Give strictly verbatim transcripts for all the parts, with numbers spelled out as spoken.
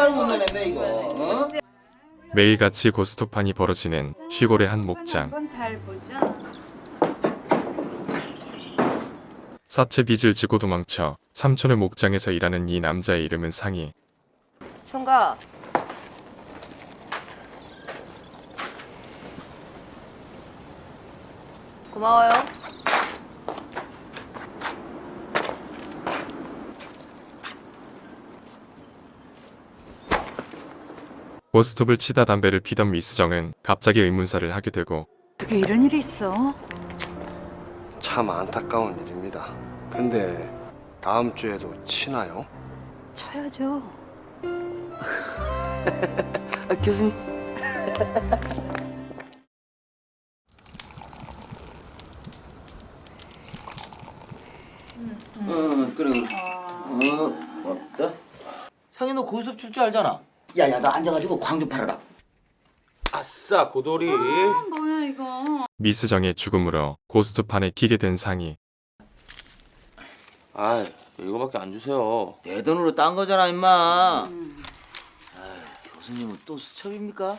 하나도 못 내겠네 이거. 어? 매일같이 고스톱판이 벌어지는 시골의 한 목장. 한번 잘 보자. 사채 빚을 지고 도망쳐 삼촌의 목장에서 일하는 이 남자의 이름은 상희. 총각. 고마워요. 고스톱을 치다 담배를 피던 미스정은 갑자기 의문사를 하게 되고 어떻게 이런 일이 있어? 참 안타까운 일입니다. 근데 다음 주에도 치나요? 쳐야죠. 아, 교수님. 응, 그래. 그래. 어, 고맙다. 상희 너 고스톱 칠 줄 알잖아. 야야, 너 앉아가지고 광 좀 팔아라. 아싸 고돌이. 뭐야 이거? 미스정의 죽음으로 고스톱판에 끼게 된 상희. 아 이거밖에 안 주세요. 내 돈으로 딴 거잖아, 임마. 아, 교수님은 또 수첩입니까?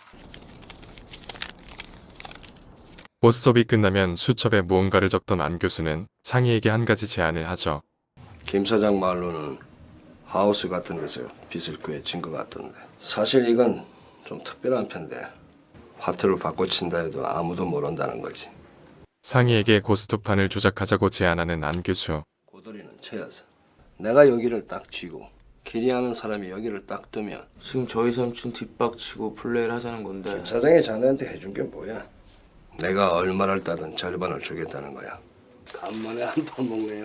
고스톱이 끝나면 수첩에 무언가를 적던 안 교수는 상희에게 한 가지 제안을 하죠. 김 사장 말로는 하우스 같은 데서 빚을 구해진 것 같던데. 사실 이건 좀 특별한 편데 화투를 바꿔 친다 해도 아무도 모른다는 거지. 상희에게 고스톱판을 조작하자고 제안하는 안 교수. 고돌이는 채여서 내가 여기를 딱 쥐고 길이하는 사람이 여기를 딱 뜨면 지금 저희 삼촌 뒷박치고 플레이를 하자는 건데. 김 사장이 자네한테 해준 게 뭐야? 내가 얼마를 따든 절반을 주겠다는 거야. 간만에 한 판 먹네요.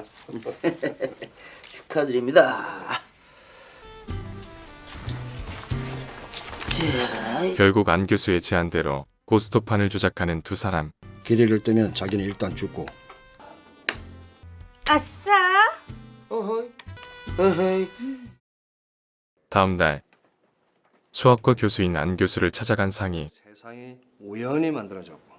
축하드립니다. 자, 결국 안 교수의 제안대로 고스톱판을 조작하는 두 사람. 길이를 뜨면 자기는 일단 죽고 아싸! 어허이, 어허이. 다음 날 수학과 교수인 안 교수를 찾아간 상희. 세상이 우연히 만들어졌고.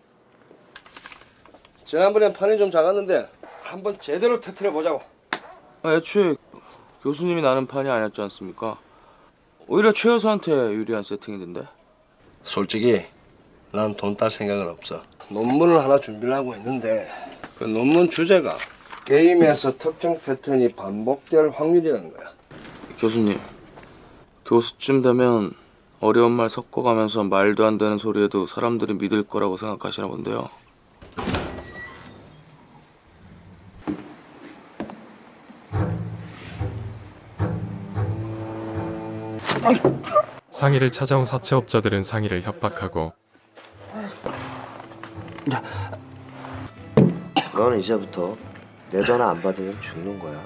지난번엔 판이 좀 작았는데 한번 제대로 터트려 보자고. 아, 애초에 교수님이 나는 판이 아니었지 않습니까? 오히려 최 여사한테 유리한 세팅이던데. 솔직히 난 돈 딸 생각은 없어. 논문을 하나 준비를 하고 있는데 그 논문 주제가 게임에서 특정 패턴이 반복될 확률이라는 거야. 교수님, 교수쯤 되면 어려운 말 섞어가면서 말도 안 되는 소리에도 사람들이 믿을 거라고 생각하시나 본데요. 상희를 찾아온 사채업자들은 상희를 협박하고 너는 이제부터 내 전화 안 받으면 죽는 거야.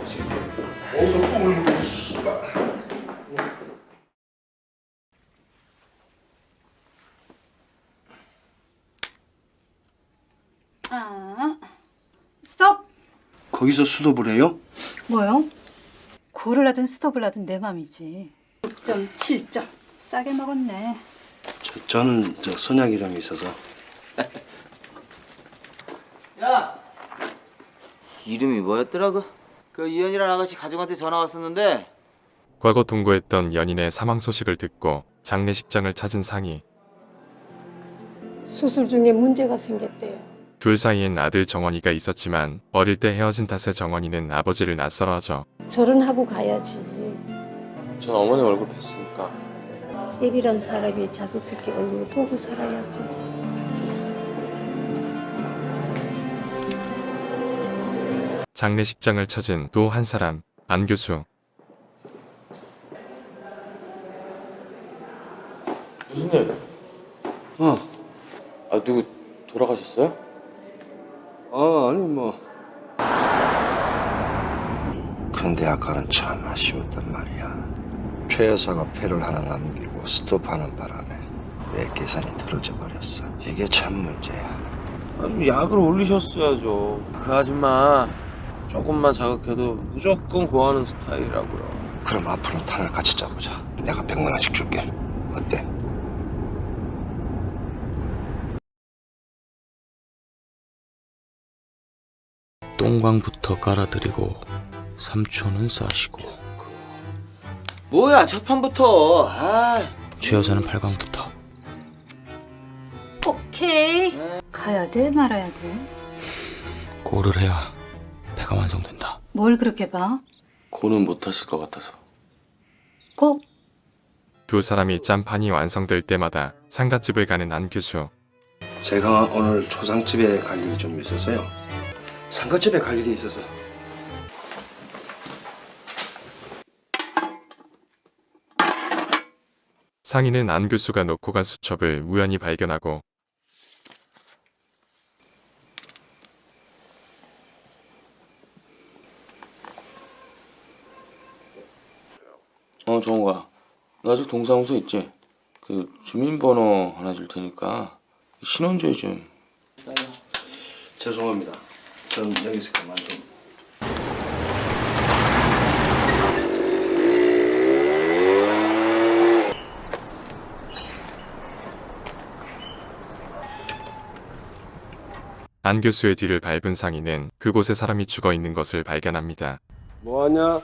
아, 스톱! 거기서 수도를 해요? 뭐요? 고를 하든 스톱을 하든 내 맘이지. 육 점 칠 점. 싸게 먹었네. 저, 저는 저 선약 이름이 있어서. 야, 이름이 뭐였더라고? 그 이현이라는 아가씨 가족한테 전화 왔었는데. 과거 동거했던 연인의 사망 소식을 듣고 장례식장을 찾은 상희. 수술 중에 문제가 생겼대요. 둘 사이엔 아들 정원이가 있었지만 어릴 때 헤어진 탓에 정원이는 아버지를 낯설어하죠. 결혼하고 가야지. 전 어머니 얼굴 뵀으니까. 애비란 사람이 자식 새끼 얼굴을 보고 살아야지. 장례식장을 찾은 또 한 사람, 안 교수. 교수님. 어. 아 누구 돌아가셨어요? 아 아니 뭐. 근데 아까는 참 아쉬웠단 말이야. 최 여사가 패를 하나 남기고 스톱하는 바람에 내 계산이 틀어져 버렸어. 이게 참 문제야. 아주 약을 올리셨어야죠. 그 아줌마 조금만 자극해도 무조건 고하는 스타일이라고요. 그럼 앞으로 탄을 같이 짜보자. 내가 백만 원씩 줄게. 어때? 똥광부터 깔아드리고 삼촌은 싸시고 뭐야 첫 판부터. 아. 최 여사는 팔 강부터. 오케이. 가야 돼 말아야 돼? 고를 해야 배가 완성된다. 뭘 그렇게 봐? 고는 못하실 것 같아서. 고. 두 사람이 짠판이 완성될 때마다 상갓집을 가는 안 교수. 제가 오늘 초상집에 갈 일이 좀 있어서요. 상가집에 갈 일이 있어서. 상인은 안 교수가 놓고 간 수첩을 우연히 발견하고 어, 정우가. 나 아직 동사무소 있지? 그 주민번호 하나 줄 테니까 신원조회 좀. 죄송합니다. 전 여기서 그만 좀. 안 교수의 뒤를 밟은 상인은 그곳에 사람이 죽어 있는 것을 발견합니다. 뭐하냐?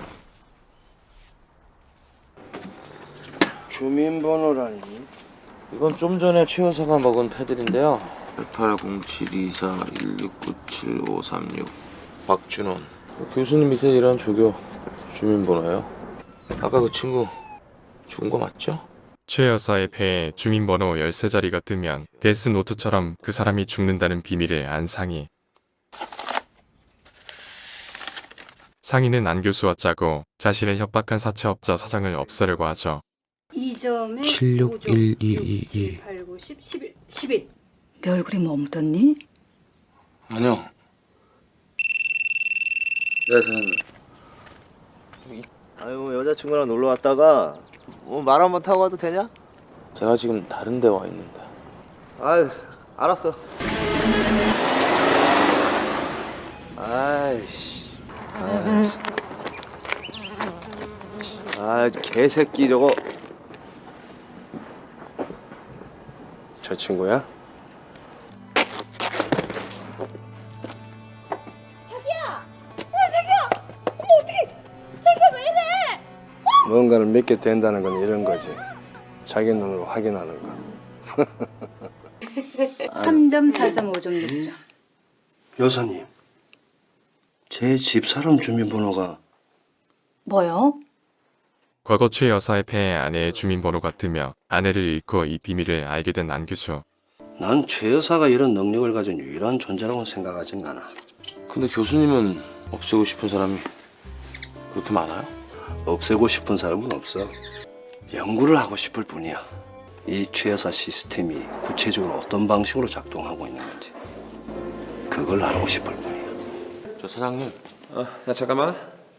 주민번호라니? 이건 좀 전에 최 여사가 먹은 패들인데요. 팔팔공칠이사 일육구칠오삼육 박준원. 교수님 밑에 일하는 조교 주민번호예요. 아까 그 친구 죽은 거 맞죠? 최 여사의 폐에 주민번호 열세 자리가 뜨면 데스노트처럼 그 사람이 죽는다는 비밀을 안 상이. 상인은 안 교수와 짜고 자신을 협박한 사채업자 사장을 없애려고 하죠. 이 점에 칠육일이이이. 팔, 구, 십, 십일, 십일. 내 얼굴이 뭐 묻었니? 아니요. 네, 사장님. 아유 여자친구랑 놀러 왔다가 뭐 말 한번 타고 가도 되냐? 제가 지금 다른 데 와 있는데. 아유 알았어. 아이씨. 아이씨. 아 개새끼 저거. 저 친구야? 뭔가를 믿게 된다는 건 이런 거지. 자기 눈으로 확인하는 거. 삼 점, 사 점, 오 점, 육 점. 여사님, 제 집사람 주민번호가 뭐요? 과거 최 여사의 폐에 아내의 주민번호가 뜨며 아내를 잃고 이 비밀을 알게 된 안 교수. 난 최 여사가 이런 능력을 가진 유일한 존재라고 생각하진 않아. 근데 교수님은 없애고 싶은 사람이 그렇게 많아요? 없애고 싶은 사람은 없어. 연구를 하고 싶을 뿐이야. 이 최 여사 시스템이 구체적으로 어떤 방식으로 작동하고 있는 건지 그걸 알고 싶을 뿐이야. 저 사장님. 어, 야 잠깐만.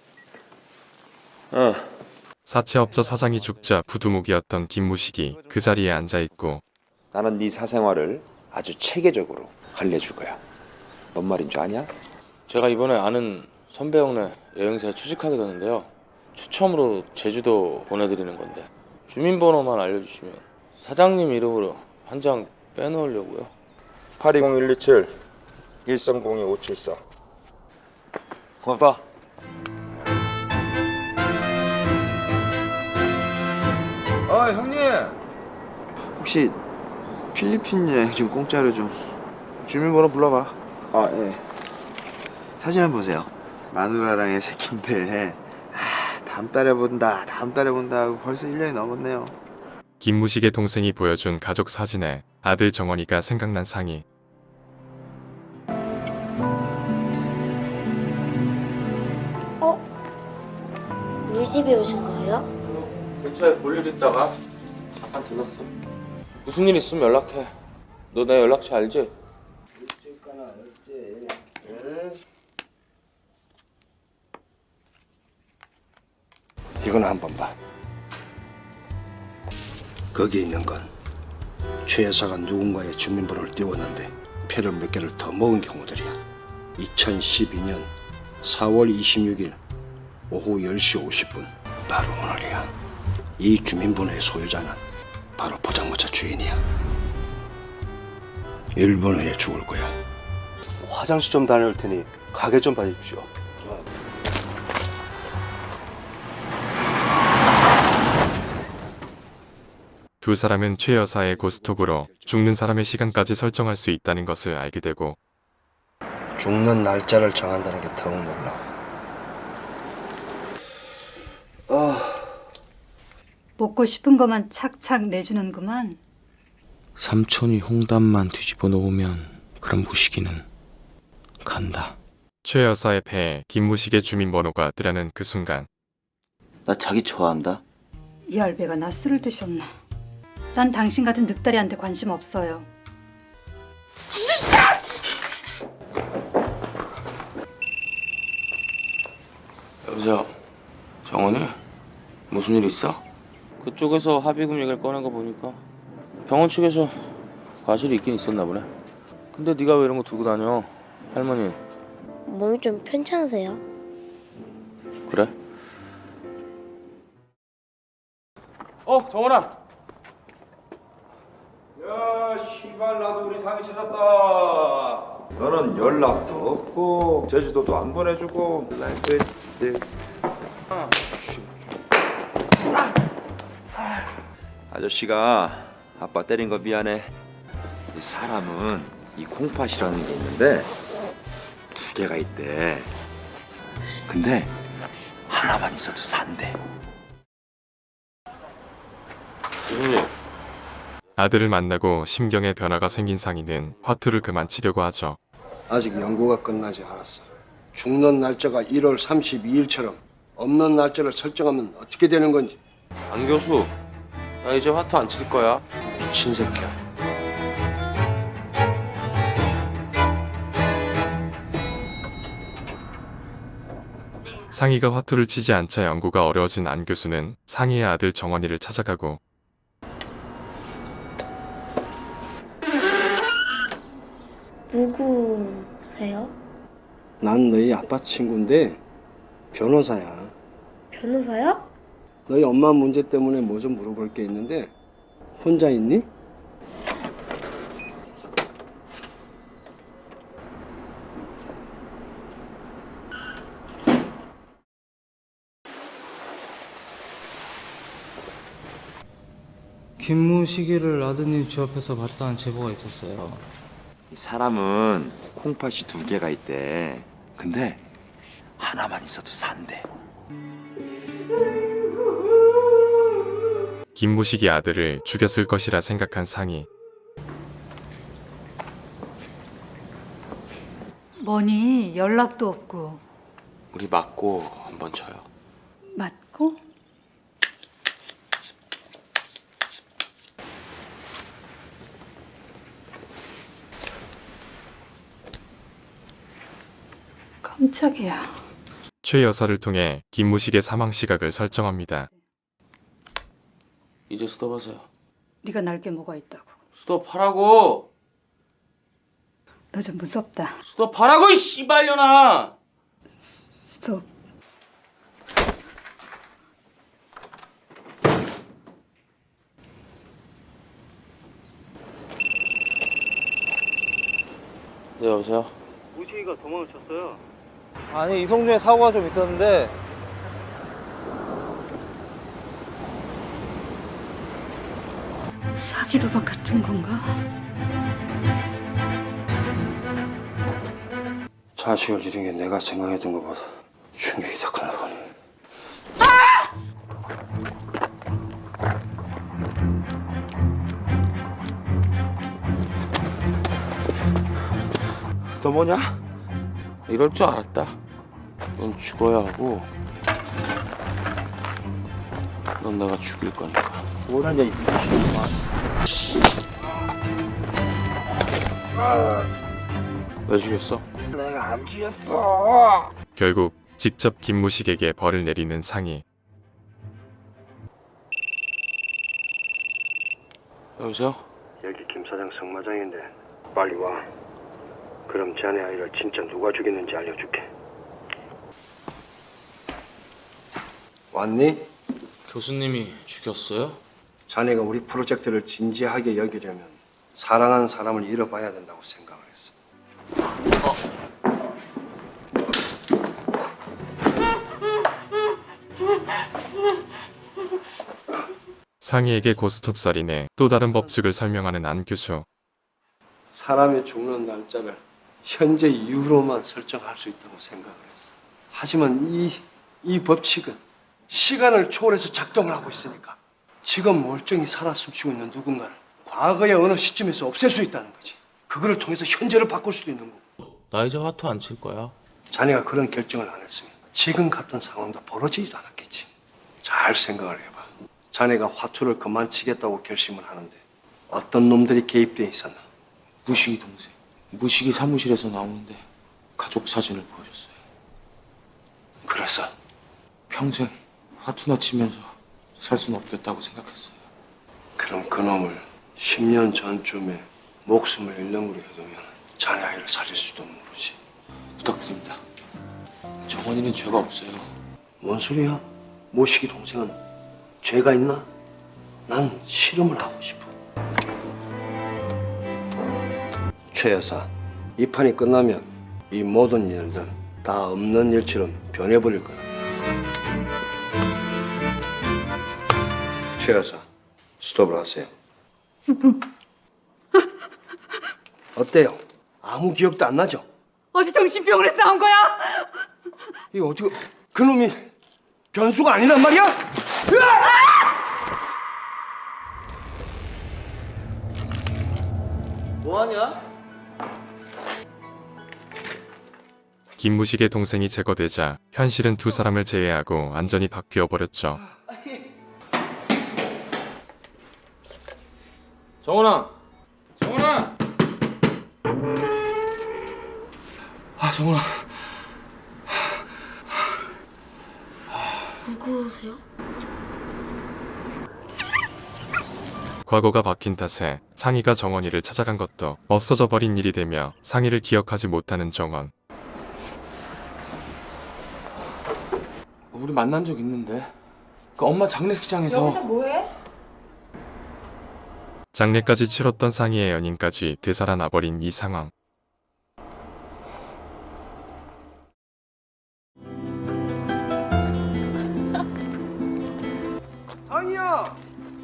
어, 사채업자 사장이 죽자 부두목이었던 김무식이 그 자리에 앉아있고 나는 네 사생활을 아주 체계적으로 관리해줄 거야. 뭔 말인 줄 아냐? 제가 이번에 아는 선배 형네 여행사에 취직하게 됐는데요. 추첨으로 제주도 보내드리는 건데 주민번호만 알려주시면 사장님 이름으로 한 장 빼놓으려고요. 팔이공일이칠 일삼공이 오칠사. 고맙다. 아 형님 혹시 필리핀 여행 좀 공짜로 좀. 주민번호 불러봐. 아 예. 사진 한번 보세요. 마누라랑의 새끼인데 아 다음 달에 본다 다음 달에 본다 하고 벌써 일 년이 넘었네요. 김무식의 동생이 보여준 가족 사진에 아들 정원이가 생각난 상이. 어? 우리 집에 오신 거예요? 근처에 볼 일 있다가 잠깐 들렀어. 무슨 일 있으면 연락해. 너 내 연락처 알지? 이건 한번 봐. 거기 있는 건 최 여사가 누군가의 주민번호를 띄웠는데 표를 몇 개를 더 먹은 경우들이야. 이천십이 년 사월 이십육일 오후 열 시 오십 분 바로 오늘이야. 이 주민번호의 소유자는 바로 포장마차 주인이야. 일 분 후에 죽을 거야. 화장실 좀 다녀올 테니 가게 좀 봐주십시오. 두 사람은 최 여사의 고스톱으로 죽는 사람의 시간까지 설정할 수 있다는 것을 알게 되고 죽는 날짜를 정한다는 게 더욱 놀라워. 먹고 싶은 것만 착착 내주는구만. 삼촌이 홍단만 뒤집어 놓으면 그럼 무식이는 간다. 최 여사의 배에 김무식의 주민번호가 뜨려는 그 순간 나 자기 좋아한다. 이 알배가 나 술을 드셨나. 난 당신 같은 늑다리한테 관심 없어요. 여보세요, 정원이? 무슨 일 있어? 그쪽에서 합의금 얘기를 꺼낸 거 보니까 병원 측에서 과실이 있긴 있었나 보네. 근데 네가 왜 이런 거 들고 다녀? 할머니. 몸이 좀 편찮으세요? 그래? 어, 정원아. 야, 씨발 나도 우리 상이 찾았다. 너는 연락도 없고 제주도도 안 보내주고. 라이프스. 아저씨가 아빠 때린 거 미안해. 이 사람은 이 콩팥이라는 게 있는데 두 개가 있대. 근데 하나만 있어도 산대. 교수님. 아들을 만나고 심경에 변화가 생긴 상희는 화투를 그만 치려고 하죠. 아직 연구가 끝나지 않았어. 죽는 날짜가 일월 삼십이일처럼 없는 날짜를 설정하면 어떻게 되는 건지. 안 교수, 나 이제 화투 안 칠 거야. 미친 새끼야. 상희가 화투를 치지 않자 연구가 어려워진 안 교수는 상희의 아들 정원이를 찾아가고 누구세요? 난 너희 아빠 친구인데 변호사야. 변호사요? 너희 엄마 문제 때문에 뭐 좀 물어볼 게 있는데 혼자 있니? 김무식이를 아드님 집 앞에서 봤다는 제보가 있었어요. 이 사람은 콩팥이 두 개가 있대. 근데 하나만 있어도 산대. 김무식이 아들을 죽였을 것이라 생각한 상희. 뭐니 연락도 없고. 우리 맞고 한번 쳐요. 맞고? 깜짝이야. 최 여사를 통해 김무식의 사망 시각을 설정합니다. 이제 스톱하세요. 네가 날게 뭐가 있다고. 스톱하라고. 너 좀 무섭다. 스톱하라고 이 씨발년아. 스톱. 네, 여보세요. 무식이가 도망을 쳤어요. 아니 이송준에 사고가 좀 있었는데 사기 도박 같은 건가? 자식을 잃은 게 내가 생각했던 것보다 충격이 더 크나 보네. 너 뭐냐? 이럴 줄 알았다. 넌 죽어야 하고 넌 내가 죽일 거니까. 뭐라냐 이 미친놈아. 왜 죽였어? 내가 안 죽였어. 결국 직접 김무식에게 벌을 내리는 상희. 여보세요? 여기 김 사장 성마장인데 빨리 와. 그럼 자네 아이를 진짜 누가 죽였는지 알려줄게. 왔니? 교수님이 죽였어요? 자네가 우리 프로젝트를 진지하게 여기려면 사랑하는 사람을 잃어봐야 된다고 생각을 했어. 상희에게 고스톱 살인의 또 다른 법칙을 설명하는 안 교수. 사람이 죽는 날짜를 현재 이후로만 설정할 수 있다고 생각을 했어. 하지만 이, 이 법칙은 시간을 초월해서 작동을 하고 있으니까 지금 멀쩡히 살아 숨쉬고 있는 누군가를 과거의 어느 시점에서 없앨 수 있다는 거지. 그거를 통해서 현재를 바꿀 수도 있는 거고. 나 이제 화투 안 칠 거야. 자네가 그런 결정을 안 했으면 지금 같은 상황도 벌어지지도 않았겠지. 잘 생각을 해봐. 자네가 화투를 그만 치겠다고 결심을 하는데 어떤 놈들이 개입돼 있었나? 무식이 동생. 무식이 사무실에서 나오는데 가족 사진을 보여줬어요. 그래서 평생 화투나 치면서 살 수는 없겠다고 생각했어요. 그럼 그 놈을 십 년 전쯤에 목숨을 잃는 걸로 해두면 자네 아이를 살릴 수도 모르지. 부탁드립니다. 정원이는 죄가 없어요. 뭔 소리야? 모시기 동생은 죄가 있나? 난 실험을 하고 싶어. 최 여사, 이 판이 끝나면 이 모든 일들 다 없는 일처럼 변해버릴 거야. 최 여사, 스톱을 하세요. 어때요? 아무 기억도 안 나죠? 어디 정신병원에서 나온 거야? 이거 어떻게 그놈이 변수가 아니란 말이야? 뭐하냐? 김무식의 동생이 제거되자 현실은 두 사람을 제외하고 완전히 바뀌어 버렸죠. 정원아! 정원아! 아, 정원아. 누구세요? 과거가 바뀐 탓에 상희가 정원이를 찾아간 것도 없어져 버린 일이 되며 상희를 기억하지 못하는 정원. 우리 만난 적 있는데. 그 엄마 장례식장에서. 여기서 뭐해? 장례까지 치렀던 상희의 연인까지 되살아나버린 이 상황. 상이야!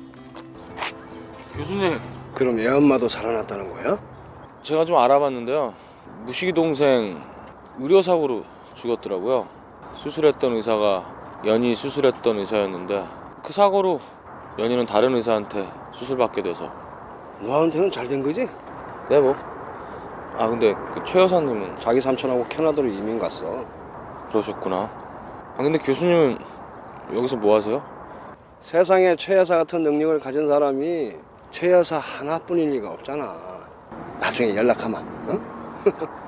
교수님, 그럼 애 엄마도 살아났다는 거야? 제가 좀 알아봤는데요. 무식이 동생 의료사고로 죽었더라고요. 수술했던 의사가 연희 수술했던 의사였는데 그 사고로 연희는 다른 의사한테 수술받게 돼서. 너한테는 잘 된 거지? 네, 뭐. 아, 근데 그 최 여사님은 자기 삼촌하고 캐나다로 이민 갔어. 그러셨구나. 아, 근데 교수님은 여기서 뭐 하세요? 세상에 최 여사 같은 능력을 가진 사람이 최 여사 하나뿐일 리가 없잖아. 나중에 연락하마. 어?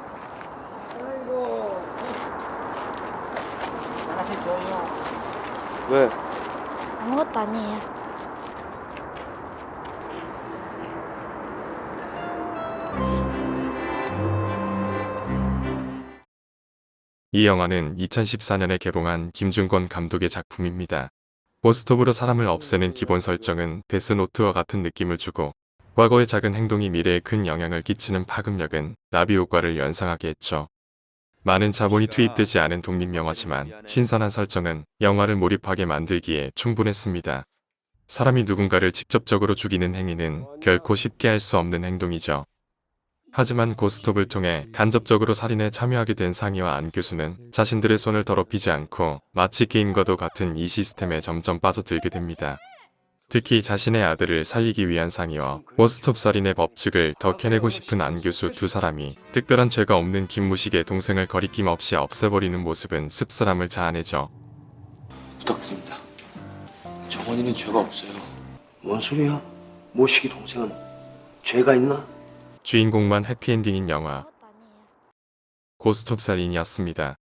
아이고. 왜? 아무것도 아니에요. 이 영화는 이천십사 년에 개봉한 김준권 감독의 작품입니다. 고스톱으로 사람을 없애는 기본 설정은 데스노트와 같은 느낌을 주고 과거의 작은 행동이 미래에 큰 영향을 끼치는 파급력은 나비 효과를 연상하게 했죠. 많은 자본이 투입되지 않은 독립영화지만 신선한 설정은 영화를 몰입하게 만들기에 충분했습니다. 사람이 누군가를 직접적으로 죽이는 행위는 결코 쉽게 할 수 없는 행동이죠. 하지만 고스톱을 통해 간접적으로 살인에 참여하게 된 상희와 안 교수는 자신들의 손을 더럽히지 않고 마치 게임과도 같은 이 시스템에 점점 빠져들게 됩니다. 특히 자신의 아들을 살리기 위한 상희와 고스톱 살인의 법칙을 더 캐내고 싶은 안 교수 두 사람이 특별한 죄가 없는 김무식의 동생을 거리낌 없이 없애버리는 모습은 씁쓸함을 자아내죠. 부탁드립니다. 정원이는 죄가 없어요. 뭔 소리야? 모시기 동생은 죄가 있나? 주인공만 해피엔딩인 영화 고스톱 살인이었습니다.